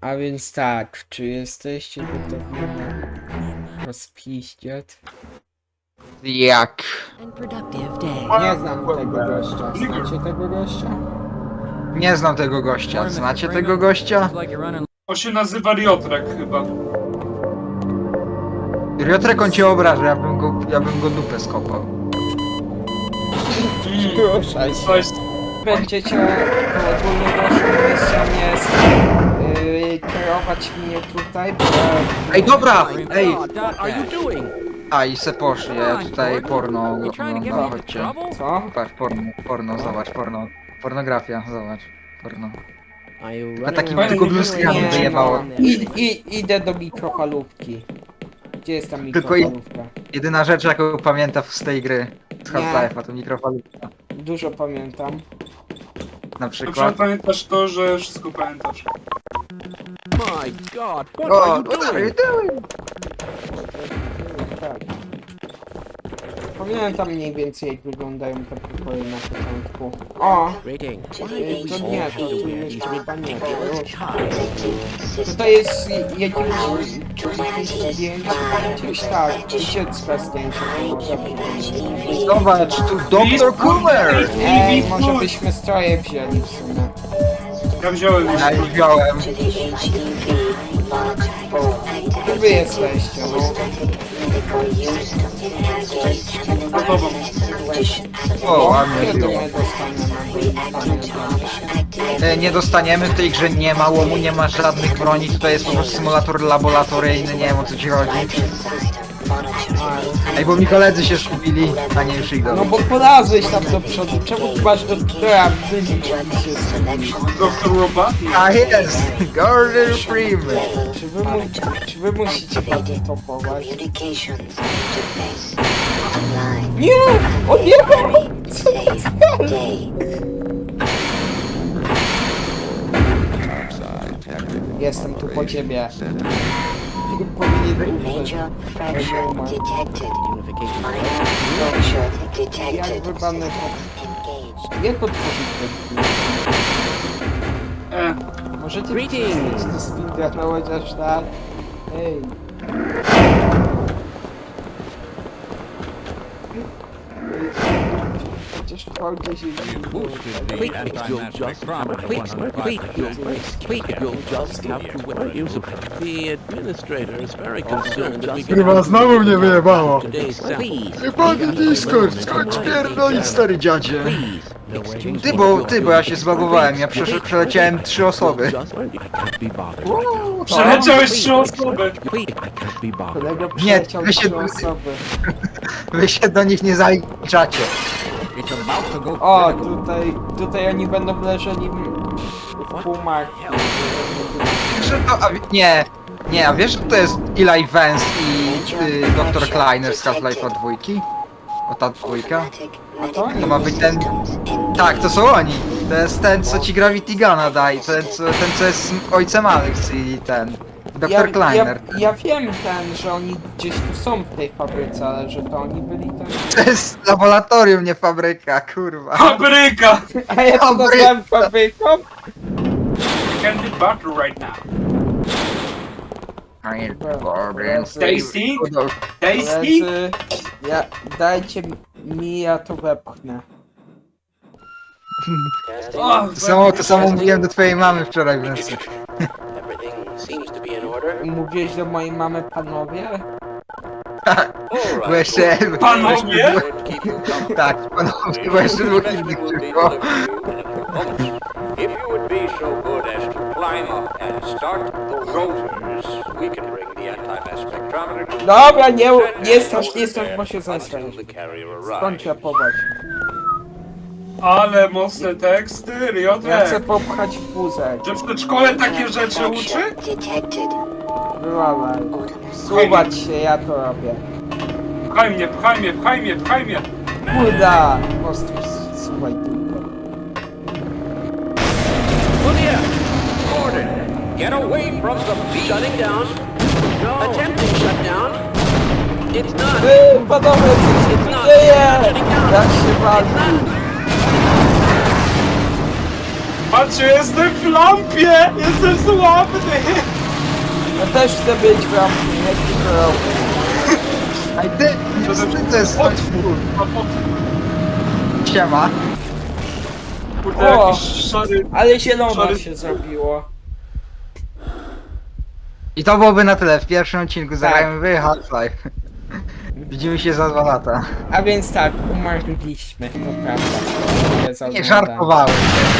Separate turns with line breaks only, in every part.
A więc tak, czy jesteście gotowi na rozpiździać?
Jak?
and productive day.
Nie znam tego gościa. Znacie tego gościa?
Nie znam tego gościa. Znacie tego gościa?
On się nazywa Riotrek chyba.
Riotrek on cię obraża, ja bym go dupę skopał.
Ruszaj się.
Coś...
Będziecie, to ogólnie naszą misją jest kierować mnie tutaj, bo
Ej, dobra! Ej!
What are you doing?
A i se poszli, ja tutaj porno oglądam, chodźcie.
co?
Patrz, porno, zobacz, pornografia, zobacz, porno.
Are you
Tylko takim
running
tylko
away?
bluzkami
Nie,
wyjebało.
Idę do mikrofalówki. Gdzie jest ta
Tylko
mikrofalówka?
Jedyna rzecz jaką pamiętam z tej gry, z
Nie.
Half-Life'a, to mikrofalówka.
Dużo pamiętam.
Na
Dobrze
przykład.
pamiętasz to, że wszystko pamiętasz.
My God, what
O,
are you
what are you
doing?
doing?
Tak. Pamiętam mniej więcej jak wyglądają te pokoje na początku. O!
Rating.
To nie, to tu jeszcze chyba nie.
These
To jest jakieś zdjęcie, gdzieś tak, dziecka zdjęcie.
Zobacz, tu Dr. Coomer!
Ej, może byśmy stroje wzięli w sumie.
Ja wziąłem już.
Ja już wziąłem.
Gdzie wy jesteście, no?
Za tobą.
O, ładnie
Kiedy
wziąłem.
my dostaniemy?
Nie dostaniemy, w tej grze nie ma łomu, nie ma żadnych broni, tutaj jest po prostu symulator laboratoryjny, nie wiem o co ci chodzi. Ej, bo mi koledzy się skupili, a nie już idą.
No bo polazłeś tam do przodu, czemu ty masz doktora wynik i się zgubił?
Doktor Robot?
A jest! Gordon Freeman!
Czy wy musicie bardzo topować? Nie! On nie ma! Co to jest? Jestem tu po ciebie. Powinien umrzeć. Jak wypadnę to... Jak otworzyć ten Możecie przestać to speedrunować aż tak? Ej. Chociaż chwałcie się
The administrator is very concerned that we
Chyba znowu mnie wyjebało.
today's sample.
Jebany Discord, skąd pierdolić, stary dziadzie?
Please,
Ty, bo ja się zbagowałem, ja przeleciałem 3 osoby.
just I can't be bothered.
Przeleciałeś 3 osoby.
I can't be bothered.
Kolega
Nie,
przyleciał
wy się-
3 osoby.
Wy się do nich nie zaliczacie.
O, tutaj oni będą leżeli w pumach.
Wiesz, że to, nie, a wiesz, że to jest Eli Vance i Dr. Kleiner z Half-Life'a 2? O ta dwójka?
A to
To ma być ten... Tak, to są oni. To jest ten, co ci Gravity Guna daje, ten, co jest ojcem Alex i ten... Dr. Kleiner.
Ja wiem że oni gdzieś tu są w tej fabryce, ale że to oni byli tam.
To jest laboratorium, nie fabryka, kurwa.
Fabryka!
A ja to nazwałem fabryką?
Can be butter right now. Tasty? Tasty?
Koledzy, dajcie mi, ja to wepchnę.
O,
To samo mówiłem do twojej mamy wczoraj w nocy.
Everything seems to be in order.
Mówiłeś do mojej mamy panowie?
Bo jeszcze...
Panowie?
Tak, panowie, bo jeszcze dwóch innych tylko.
If you would be so good as to climb up and start the rotors, we can bring the anti-mass spectrometer to
Dobra, nie strasz, bo się zesrać.
until the carrier
Skąd
arrives.
rapować?
ale mocne teksty,
Ja chcę
Riotrek.
popchać wózek.
Że w przedszkole takie rzeczy uczy?
Wywalaj. Słuchać się, ja to robię.
Pchaj mnie, pchaj mnie, pchaj mnie, pchaj mnie.
Kurda! Po prostu słuchaj tylko.
Lydia! Gordon! Get away from the beat! Shutting down. No. Attempting shutdown. It's not.
Panowie, co się tu dzieje? Jak się wali?
Patrzcie, jestem w lampie! Jestem sławny!
Ja też chcę być w rampie, jak ty to robisz.
Ej ty, to jest
Otwór!
Siema.
Kurde,
O!
jakiś szary...
Ale zielona
Sorry.
się zrobiło.
I to byłoby na tyle. W pierwszym odcinku
Tak.
zagrajmy w Half-Life. Widzimy się za 2 lata.
A więc tak, umarliśmy, to prawda. Za
Nie
oglądanie.
żartowałem.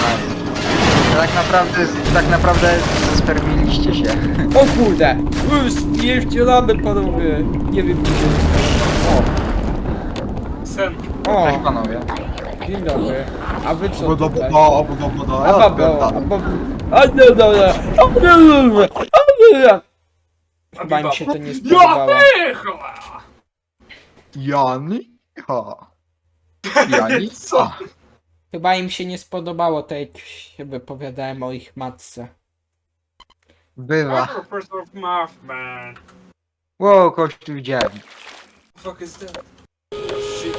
Tak naprawdę zaspermiliście się.
O kurde! Spierdzielamy panowie! Nie wiem gdzie jest.
Sen.
Cześć
O!
panowie.
O! Dzień dobry. A wy co tutaj?
No,
A babo, a babo... A dobra! A dobra! A dobra! Chyba mi się to nie spodobało.
Japycha!
Jani? Ha. Jani?
Co?
Ha.
Chyba im się nie spodobało to, jak się wypowiadałem o ich matce.
Bywa.
Professor of Math, man.
Wow, kogoś tu widziałem.
Fuck is that? Shit.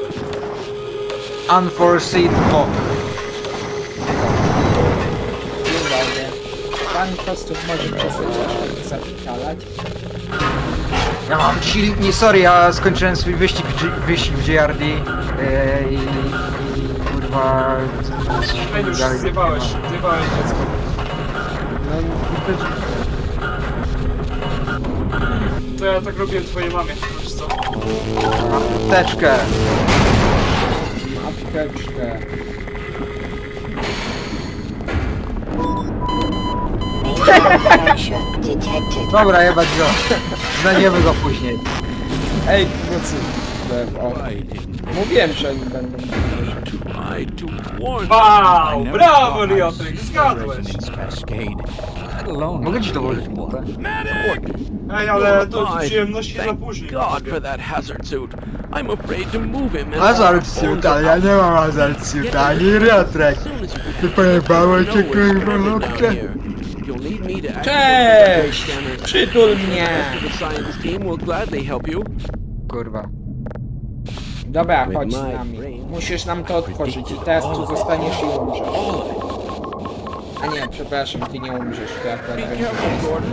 Unforeseen hawk.
Dzień dobry. Pan Kostów może przestać aż tak zapitalać.
Ja mam silnik, nie sorry, ja skończyłem swój wyścig w GRD i kurwa...
Ej, już zjebałeś dziecko. To ja tak robiłem twojej mamie, wiesz co?
Mam apteczkę.
Apteczkę.
Dobra, jebać go. Znajdziemy go później.
Ej, nocy. O. Mówiłem, że oni będą.
Wow, brawo Riotrek, zgadłeś!
Mogę ci to włożyć?
Ej, ale to przyjemności dla
Thank
później.
God for that hazard suit. I'm afraid to move him. and
Hazard
I'll
suit,
fall
ale ja nie mam hazard suit, ani Riotrek.
as soon as you can
Ty pojebało cię,
know where
kurwa,
you're headed down
lotkę.
here. You'll need me to
Cześć!
activate the scanner.
Przytul mnie!
The science team will gladly help you.
Kurwa.
Dobra, chodź z nami. Musisz nam to otworzyć i teraz tu zostaniesz i umrzesz. A nie, przepraszam, ty nie umrzesz, to akurat
Be
będzie
careful, Gordon.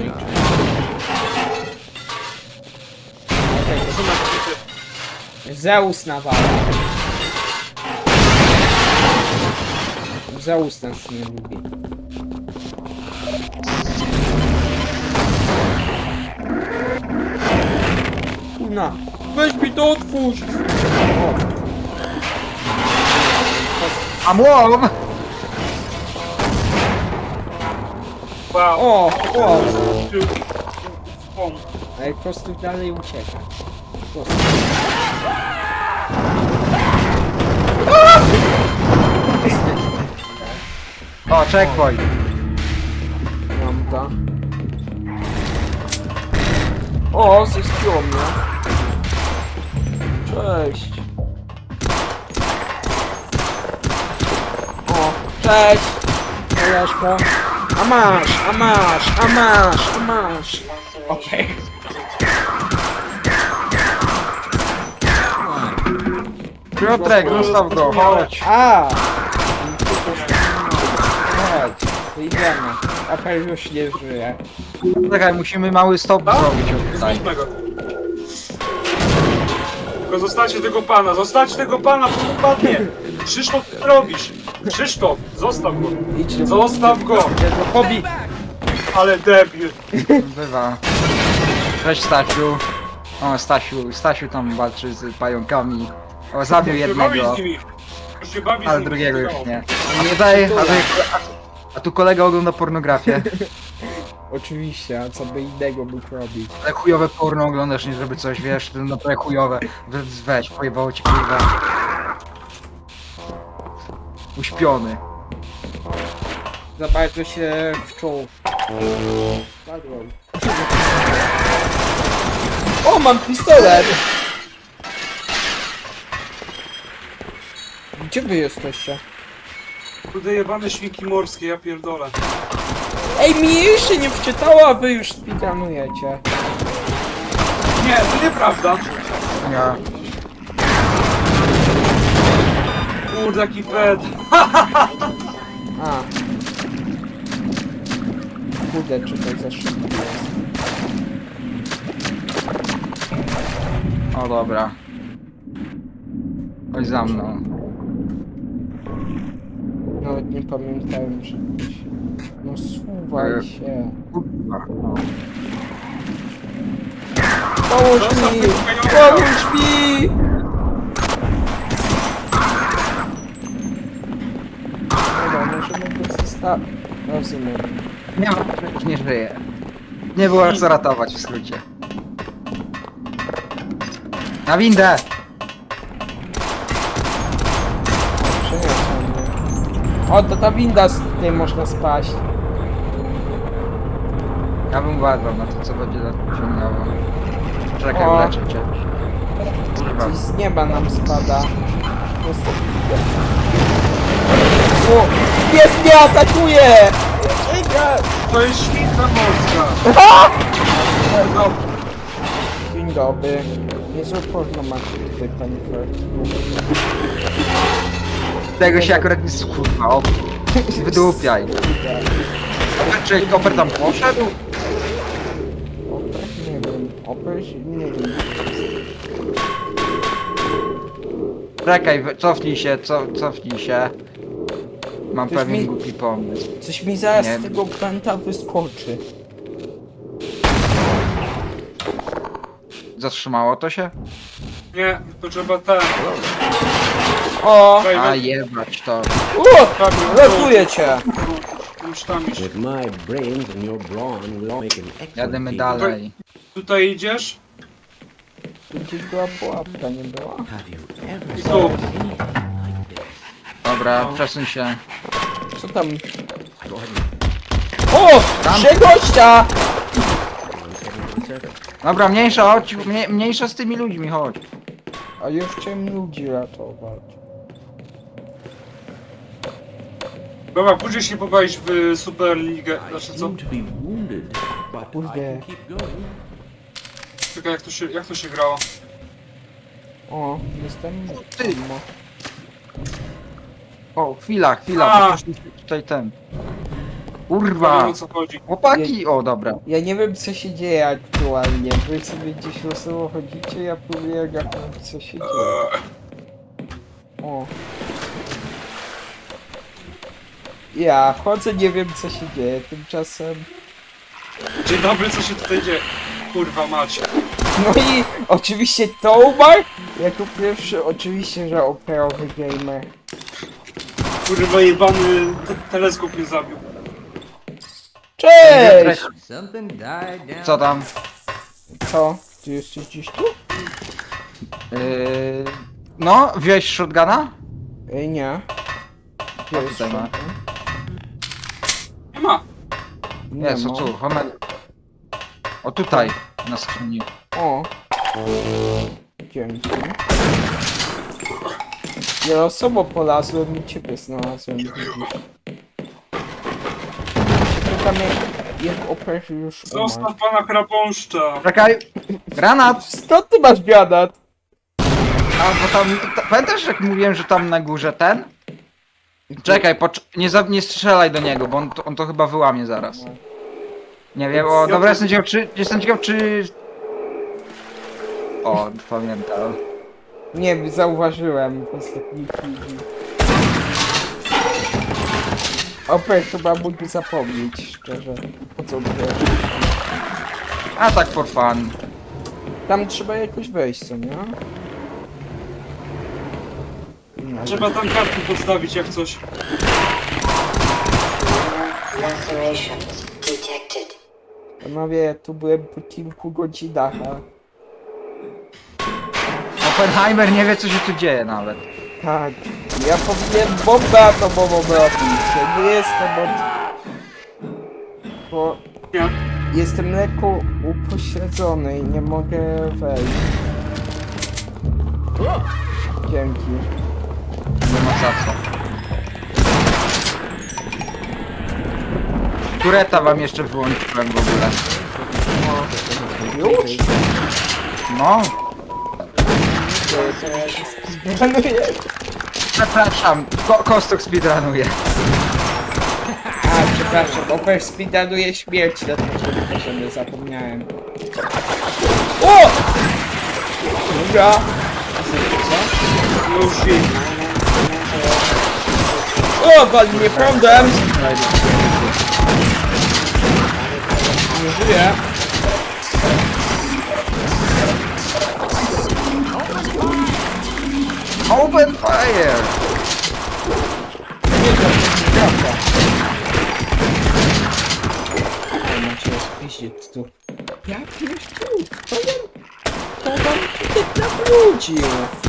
Zeus nawala. Zeus nas nie lubi. Kurna, weź mi to otwórz! O.
A młom!
Wow.
O, o!
O.
Ale Kostów dalej ucieka. Kostów.
O, checkpoint.
Mam to. O, zespiło mnie. Cześć. O, cześć. Koleżko. A masz, a masz, a masz, a masz. Okej.
Piotrek, zostaw go, chodź.
A! Chodź, idziemy. Apel już nie żyje.
Czekaj, musimy mały stop zrobić od tutaj.
Zróbmy go. Tylko zostawcie tego pana, bo upadnie! Krzysztof, co ty robisz? Krzysztof, zostaw go!
Idź do
Zostaw go!
Pobi!
Ale debil!
Bywa. Cześć Stasiu. O, Stasiu tam walczy z pająkami. O, zabił
Już się bawi
jednego,
z nimi! Już się bawi z
ale
nimi.
drugiego już nie. A tutaj, a tu kolega ogląda pornografię.
Oczywiście, a co by innego mógł robić?
Ale chujowe porno oglądasz, nie żeby coś, wiesz, to naprawdę chujowe. Weź, pojebało ci kurwa. Uśpiony.
Za bardzo się wczuł. Spadłem. O, mam pistolet! Gdzie wy jesteście?
Kurde jebane świnki morskie, ja pierdolę.
Ej, mi jeszcze nie wczytało, a wy już speedrunujecie.
Nie, to nieprawda.
Ja.
Kurde, jaki ped.
A, Kurde, czy to za szybko jest?
O dobra. Chodź za mną.
Nawet nie pamiętałem, że to się... No suwaj się.
Kurwa.
Pomóż mi! Pomóż mi! Dobra, możemy go zostawić. Rozumiem.
Nie ma, już nie żyje. Nie było jak zaratować w skrócie. Na windę!
Przeniosłem mnie. O, to ta winda, z której można spaść.
Ja bym uważał na to, co będzie ciągnęło. Czekaj,
O.
uleczę cię. Kurwa.
Coś z nieba nam spada. O! Pies mnie atakuje! Czekaj!
To jest świnka morska. No,
Dzień dobry. Niezłe porno macie tutaj, panie Fertku.
Tego się akurat nie skurwa, o. Wydupiaj. Czy koper tam poszedł?
Oper? Nie wiem. Oper? Nie wiem.
Czekaj, cofnij się, cofnij się. Mam
Coś
pewien
mi-
głupi pomysł.
Coś mi zaraz
Nie.
z tego pęta wyskoczy.
Zatrzymało to się?
nie, to trzeba ten.
O!
A jebać to.
Ratuję cię!
Już tam iść.
With my brains and your brawn, we'll make an excellent
Jademy
team.
dalej.
Tutaj idziesz?
Tu gdzieś była pułapka, nie była?
Have you ever
I
seen
tu.
anything like this?
Dobra, przesuń się.
Co tam? O! Trzy gościa!
Dobra, mniejsza, chodź, mniejsza z tymi ludźmi, chodź.
A ja chciałem ludzi ratować.
Dobra, później się pobawić w Superligę.
I
Znaczy co?
seem to be wounded, but I
Kurde.
can keep going.
Czekaj, jak to się grało?
O, jestem...
Ty.
Ammo.
O, chwila,
A.
bo coś mi tutaj ten.
Nie
Kurwa!
wiem o co chodzi.
Chłopaki! O, dobra.
Ja nie wiem co się dzieje aktualnie. Wy sobie gdzieś losowo chodzicie, ja próbuję gadać co się dzieje. O. Ja wchodzę, nie wiem co się dzieje, tymczasem...
Dzień dobry, co się tutaj dzieje? Kurwa macie.
No i oczywiście Tobar jako pierwszy, oczywiście, że operowy gamer.
Kurwa jebany teleskop mnie zabił.
Cześć!
Co tam?
Co? Ty jesteś gdzieś tu?
No, wziąłeś shotguna?
Ej, nie. Gdzie
O,
jest
tutaj ma.
shotgun?
Nie ma.
Jest, o
ma.
tu, homer. O tutaj, na skrzyni.
O. Dzięki. Ja losowo polazłem i ciebie znalazłem, widzisz. Ja się pytam jak operzy już umarł.
Zostaw pana chrapąszcza.
Czekaj! Granat!
Skąd ty masz granat?
A, bo tam, pamiętasz jak mówiłem, że tam na górze ten? Czekaj, nie strzelaj do niego, bo on to chyba wyłamie zaraz. Nie wiem, o, dobra, jestem ciekaw czy... O, pamiętam.
Nie, zauważyłem w ostatniej chwili. Oper chyba mógł zapomnieć, szczerze. Po co było?
A tak for fun.
Tam trzeba jakoś wejść, co nie? No,
Trzeba tam kartki podstawić jak coś.
Laceration detected.
panowie, ja tu byłem po kilku godzinach, a...
Oppenheimer nie wie co się tu dzieje nawet.
Tak, ja powinien bombę atomową robić. Ja nie jestem od... Bo
Nie.
jestem lekko upośledzony i nie mogę wejść. Dzięki.
Nie ma za co. Tureta wam jeszcze wyłączyłem w ogóle.
Już?
No,
Planuję.
przepraszam, Kostok speedrunuje.
A, Przepraszam, overspeeduję śmierć na tym poziomie, zapomniałem. O! Dobra. Co?
Już wiem.
O, wali mnie prądem! Nie żyję.
Open fire!
Nie, to jest prawda. Ej, macie rozpiździć tu. Ja pierdolę, to wam tutaj nawrócił.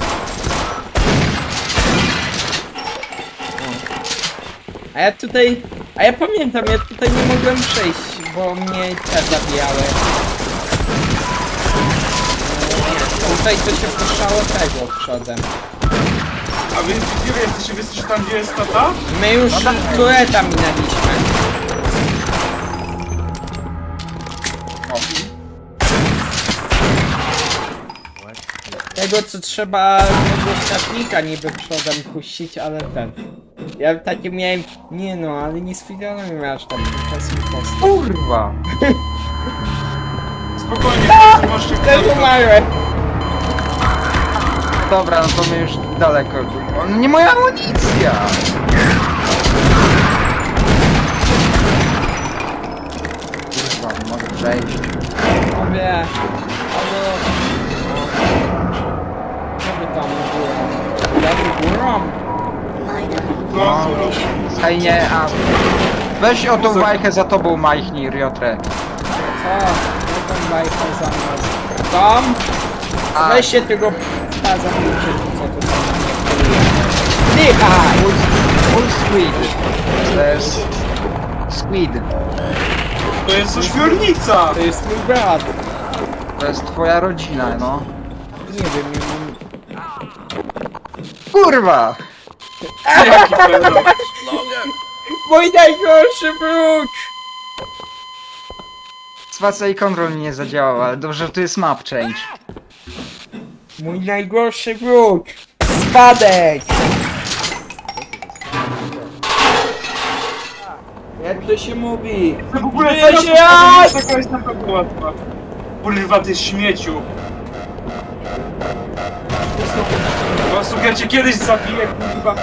A ja pamiętam, ja tutaj nie mogłem przejść, bo mnie te zabijały. Tutaj to się puszczało tego przodem.
A więc gdzie jesteście? Wy jesteście tam, gdzie jest tata?
My już tureta minęliśmy. Tego co trzeba tego statnika niby przodem puścić, ale ten. Ja takie miałem. Nie no, ale nie sfidowałem aż tam czas impostor.
Kurwa!
Spokojnie, możecie
Też umarłem!
Dobra, no to my już daleko. O, no nie moja amunicja! Kurwa, nie mogę przejść.
Mówię. Albo. Co by tam było? Ja by górą?
Minor
No,
alterations.
Ej, nie, a... Weź o tą wajchę za tobą, majchnij, Riotre.
Co? Jaką bajkę za nas? Tom?
A,
Weź się tego staza co to tam nie Dychaj!
Full squid. To jest... Squid.
to jest ośmiornica!
To jest mój brat.
To jest twoja rodzina, no.
Nie wiem, nie mam...
Kurwa!
Jaki pedał?
Mój najgorszy wróg!
Spacja i kontrol mi nie zadziałał, ale dobrze, że tu jest map change.
Mój najgorszy wróg! Spadek! Jak to się mówi?
To w ogóle
Żyje
teraz
się
to
jak!
taka jest na pewno łatwa. Kurwa, ty śmieciu. Po prostu ja cię kiedyś zabiję, kurwa.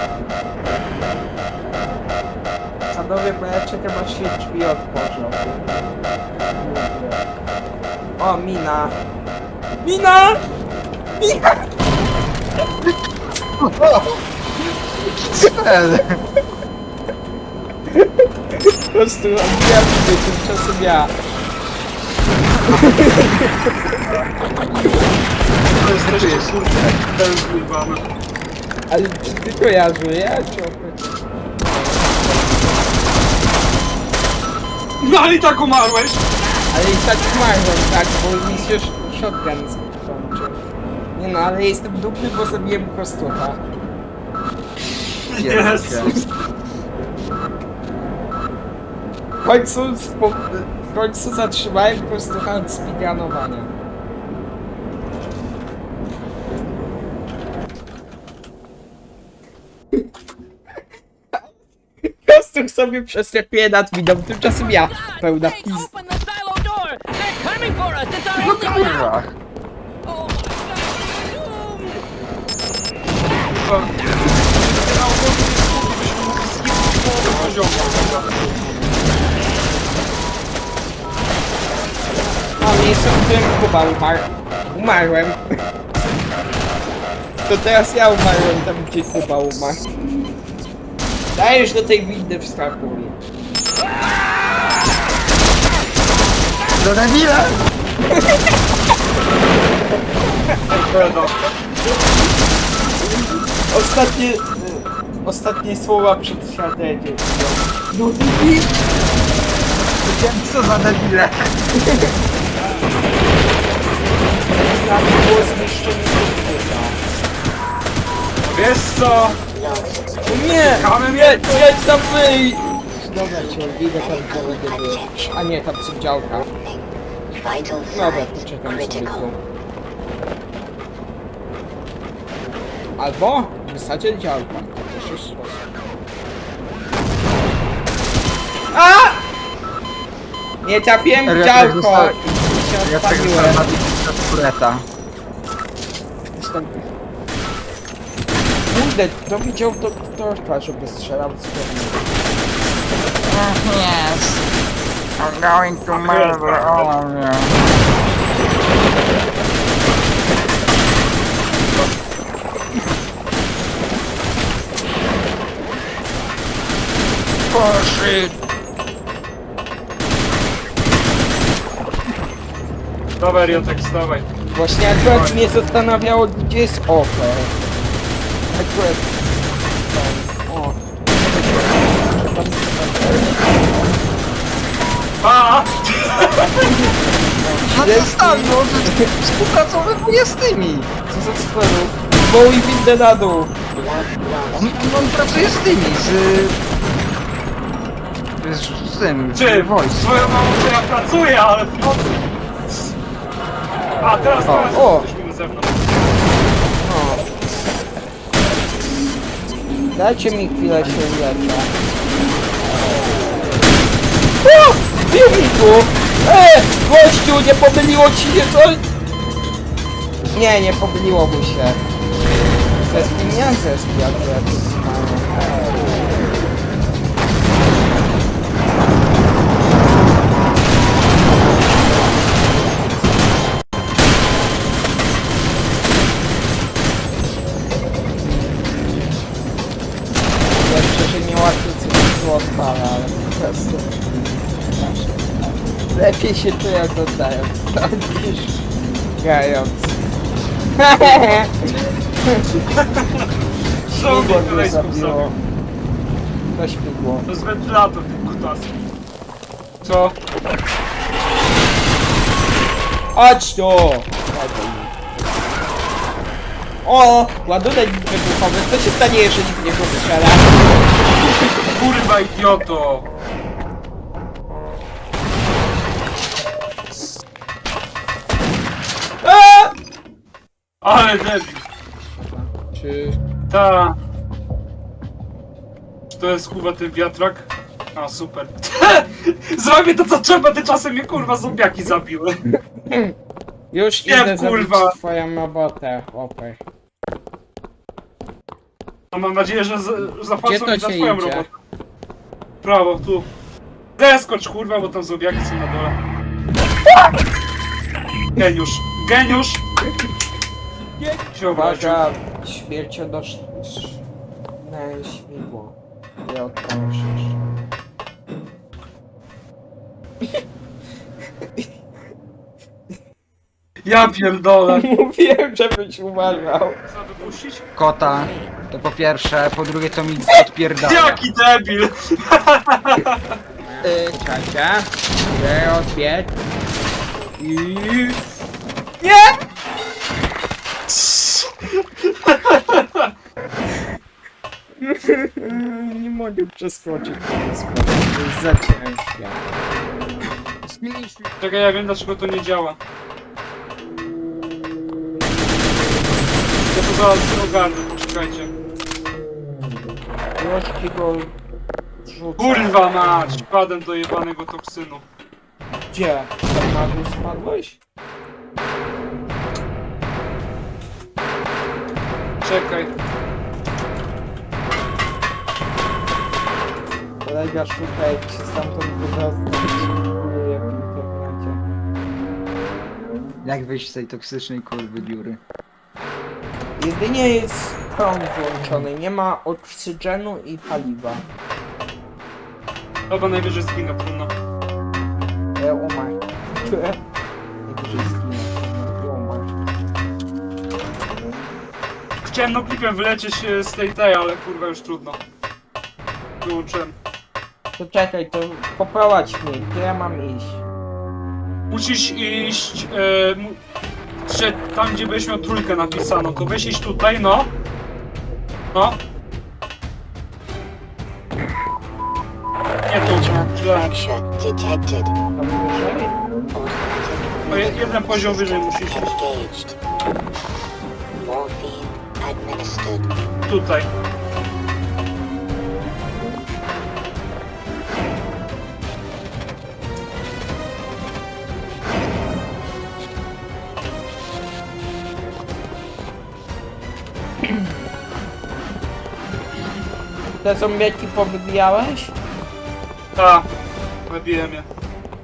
Sadowie, bo ja czekam aż się drzwi otworzą. O, mina! Mina! Mina!
Cel!
Po prostu odbijam się tymczasem ja.
To jesteście, kurwa, ten kurwa.
Ale czy tylko ja żyję? Czy oprócz?
No ale i tak umarłeś!
Ale i tak umarłem, tak, bo mi się shotgun skończył. Nie no, ale jestem dumny, bo zabiłem kostucha.
Jezus.
W końcu zatrzymałem kostucha od speedrunowania. Kostuch sobie przeskakuje nad widą, tymczasem ja, pełna
Hey,
pizd...
open the silo door! They're coming for us! It's our
No
only way out!
kurwa!
Oh my god!
Kurwa. Na ogólnie byśmy mogli skipić połowę poziomu, kurwa.
A miejsce, w którym Kuba umarł. Umarłem. To teraz ja umarłem tam, gdzie Kuba umarł. Dajesz do tej windy wskakuj.
Do debila!
Pedał.
Ostatnie słowa przed strategią. No ty
Wiem co za debile!
tam było zniszczenie kostucha.
Wiesz co?
Nie!
Kamem
Jedź tam wyj! Dobra cię, idę tam gdzie były. A nie, tam są działka.
Vital
Dobra,
signs
poczekam sobie
critical.
tu. Albo wysadzić działka. To też jest sposób. A! Nie trafiłem w
Ja
działko
tak
i się
Ja tak
odpaliłem.
zostałem na tureta.
Zresztą... Kurde, kto widział doktorka, żeby strzelał z broni?
Yes. I'm going to murder all of you. Bullshit.
Dawaj, Riotek, wstawaj.
Właśnie akurat mnie zastanawiało, gdzie jest ofer. Akurat... O.
A!
No to stań, no, że współpracowywuje z tymi.
Co za sferu? Wołuj windę na dół.
On pracuje z tymi, z tym,
Czy?
Voice.
Twoją mamą to ja pracuję, ale w nocy. A, teraz
o.
jesteśmy na zewnątrz.
Dajcie mi chwilę się uleczę. O! Bił mi tu! Gościu, nie pomyliło ci się coś? Nie, nie pomyliło mu się. Zespół nie zespół, jak to jakoś jeszcze, że nie łatwiej coś było odpala, ale po prostu... Lepiej się czuję oglądając to niż grając.
Co mi
Śmigło
tutaj
mnie
zabiło?
zabiło. To śmigło.
To jest wentylator, ten kutasy. Co?
Chodź tu! O! Ładunek wybuchowy. Co się stanie, jeżeli w niego strzela?
Kurwa, idioto!
A!
Ale debil.
Czy...
Ta. Czy to jest kurwa ten wiatrak? A, super. Zrobię to co trzeba, tymczasem mnie kurwa zombiaki zabiły.
Już
Nie,
idę
kurwa.
zabić twoją robotę, chłopie.
No mam nadzieję, że
Gdzie
zapłacą
to
mi za
się
twoją
idzie?
robotę. Prawo, tu. Zeskocz kurwa, bo tam zombiaki są na dole. Geniusz. Geniusz! Się obraził.
Uwaga, śmiercionośne śmigło. Nie odpalasz jeszcze.
Ja pierdolę.
Mówiłem, żebyś uważał.
Co wypuścić?
Kota, to po pierwsze, po drugie to mi odpierdala.
Jaki debil!
Czacia. Rozbieg. I... Nie! Nie mogę przeskoczyć tego składu. To jest za ciężkie.
Czekaj, ja wiem dlaczego to nie działa. Ja to zaraz ogarnę, poczekajcie.
Już ci go rzucę.
Kurwa mać! Padłem do jebanego toksynu.
Gdzie? Tam na dół spadłeś?
Czekaj.
Kolega szuka, jak się stamtąd wydostać w internecie.
Jak wyjść z tej toksycznej kurwy dziury?
Jedynie jest prąd włączony, nie ma oksygenu i paliwa.
Chyba najwyżej zginę, trudno.
Umarł. Najwyżej zginę. Umarł.
Chciałem no klipem wylecieć z tej, ale kurwa już trudno. Wyłączyłem.
To czekaj, to poprowadź mnie, gdzie ja mam iść?
Musisz iść... tam gdzie byś miał trójkę napisano, to weź iść tutaj, no. No. Nie tu, źle.
Fracture detected.
Tam wyżej?
O, jeden poziom wyżej musisz iść.
Engaged. Morphine administered.
Tutaj.
te zombieki powybijałeś?
Ta. Zabiłem je.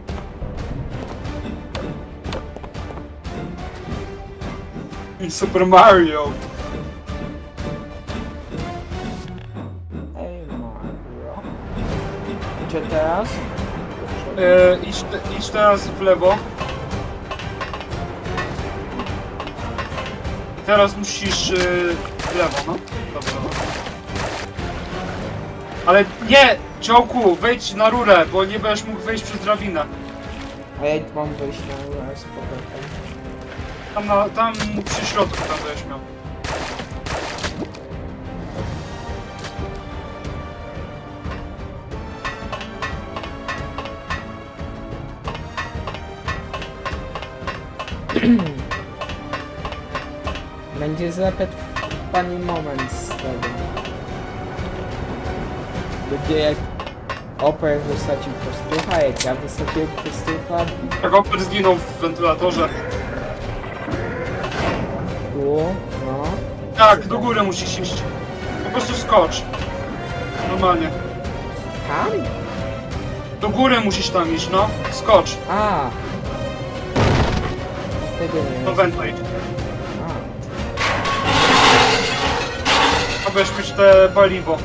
Super Mario.
Ej, Mario. Gdzie teraz?
Idź teraz w lewo. I teraz musisz w lewo, no. Dobrze, no. Ale nie! Ciołku, wejdź na rurę, bo nie będziesz mógł wejść przez drabinę.
A ja mam wyjść na górę z powrotem.
Tam przy środku tam będziesz miał.
Będzie zapet pani moment z tego. Będzie jak Oper wysadził kostucha, jak ja wysadziłem kostucha.
Jak Oper zginął w wentylatorze.
Tu, no.
Tak, do góry musisz iść. Po prostu skocz. Normalnie.
Tam?
Do góry musisz tam iść, no. Skocz.
A. Tego nie
Do
wiem.
węta idź.
A.
A będziesz mieć te paliwo.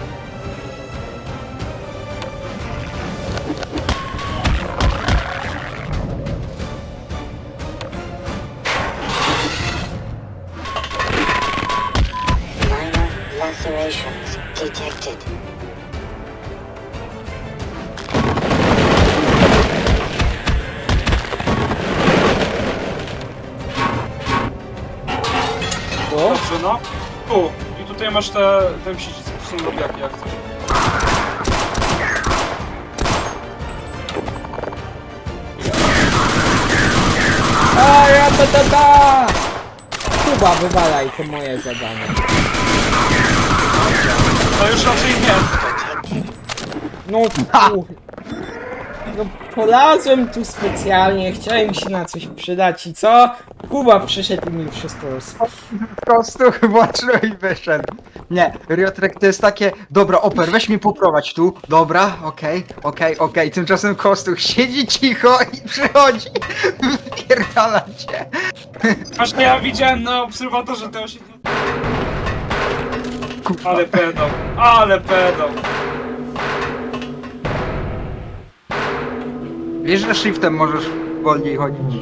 Minor lacerations detected.
Tu?
Dobrze, no. Tu. I tutaj masz ten przycisk. Tu są robiaki, jak chcesz.
A, ja ta! Kuba, wywalaj, to moje zadanie.
No już raczej nie.
No tu. No polazłem tu specjalnie, chciałem się na coś przydać i co? Kuba przyszedł i mi wszystko
Kostuch włączył i wyszedł. Nie, Riotrek to jest takie, dobra, Oper, weź mnie poprowadź tu, dobra, okej. Tymczasem Kostuch siedzi cicho i przychodzi, wypierdala cię.
Właśnie ja widziałem na obserwatorze te osiedle. Ale pedał. Ale pedał.
Wiesz, że shiftem możesz wolniej chodzić.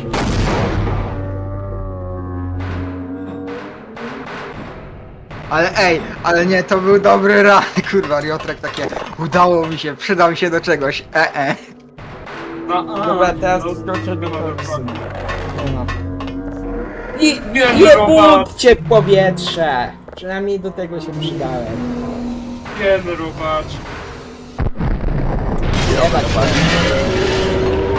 Ale ej, ale nie, to był dobry ran, kurwa, Riotrek takie, udało mi się, przydał się do czegoś,
No,
Dobra, teraz
no,
skoczę do
dobra,
końca.
dokładnie.
No. I
Nie,
nie
Roman.
budźcie w powietrze! Przynajmniej do tego się przydałem.
Wiemy, rubacz.
Jebać się.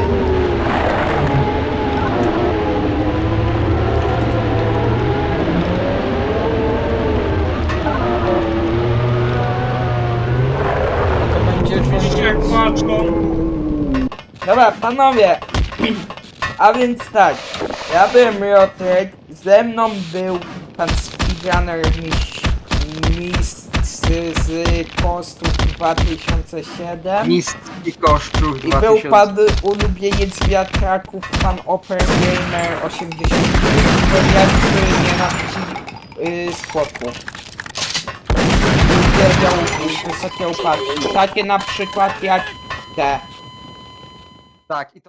To będzie
Widzicie jak płaczą?
Dobra, panowie. A więc tak, ja byłem Riotrek, ze mną był pan speedrunner mistrz z Kostów 2007
Mistrz koszczów
i był
2000.
pan ulubieniec wiatraków, pan Oper Gamer 80, który nienawidzi skoków. Uwielbiał wysokie upadki, takie na przykład jak te.
Tak, i to...